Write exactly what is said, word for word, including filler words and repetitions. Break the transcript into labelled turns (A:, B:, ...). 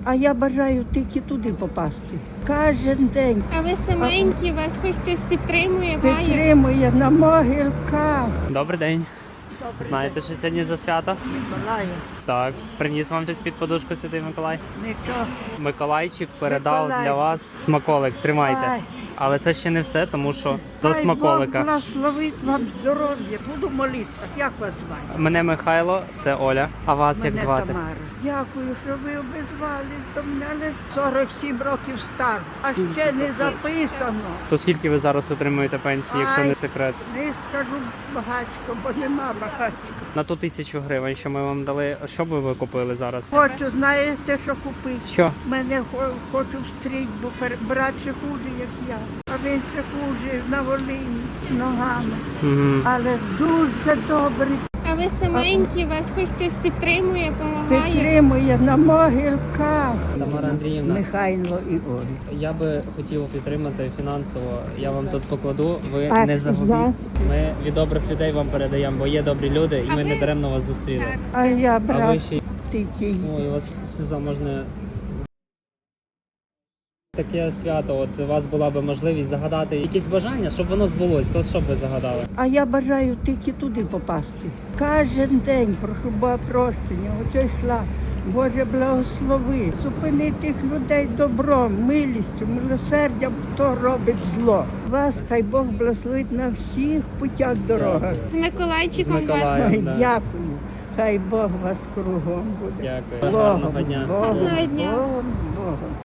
A: А я бажаю тільки туди попасти. Кожен день
B: А ви саменькі, вас хоч хтось підтримує, має?
A: підтримує на могилках.
C: Добрий день. Знаєте, що сьогодні за свято?
A: Миколаю,
C: Так. Приніс вам щось під подушку Святий Миколай?
A: нічого.
C: Миколайчик передав
A: Миколай.
C: для вас смаколик. Тримайте.
A: Ай.
C: Але це ще не все, тому що до
A: Хай
C: смаколика.
A: Бог благословить вам здоров'я. Буду молитися. Як вас звати?
C: Мене Михайло, це Оля. А вас
A: Мене
C: як звати?
A: Тамара. Дякую, що ви обізвались до мене. Але сорок сім років стар, а ще не записано.
C: То скільки ви зараз отримуєте пенсії, якщо
A: Ай.
C: не секрет?
A: Не скажу багатько, бо нема багатько.
C: На ту тисячу гривень, що ми вам дали, що би ви купили зараз?
A: Хочу, знаєте, що купити?
C: Що?
A: Мене хо- хочу встріть, бо пер- брат ще хуже, як я. А він ще хуже на Волині з ногами.
C: Угу.
A: Але дуже добрий.
B: А ви саменькі, вас хоч хтось підтримує, допомагає?
A: Підтримує на могилках.
C: Тамара Андріївна,
A: Михайло і Олі.
C: я би хотів підтримати фінансово. Я вам тут покладу, ви
A: А
C: не загубіть.
A: я?
C: Ми від добрих людей вам передаємо, бо є добрі люди, і
B: А
C: ми
B: ви-
C: не даремно вас зустріли.
B: Так.
A: А я
C: А ви
A: брат
C: ще
A: тільки.
C: ой, у вас сльоза можна. Таке свято, от у вас була би можливість загадати якісь бажання, щоб воно збулось, то що б ви загадали?
A: А я бажаю тільки туди попасти. Кожен день прошу Бога прощення, оце йшла. Боже, благослови, зупини тих людей добром, милістю, милосердям, хто робить зло. Вас хай Бог благословить на всіх путях дорогах.
B: З Миколайчиком
C: З Миколаєм.
B: вас.
A: Ой,
C: да.
A: дякую. Хай Бог вас кругом буде.
C: Дякую.
A: Богом,
C: Гарного дня.
A: Богом,
B: Гарного дня.
A: Богом, Богом.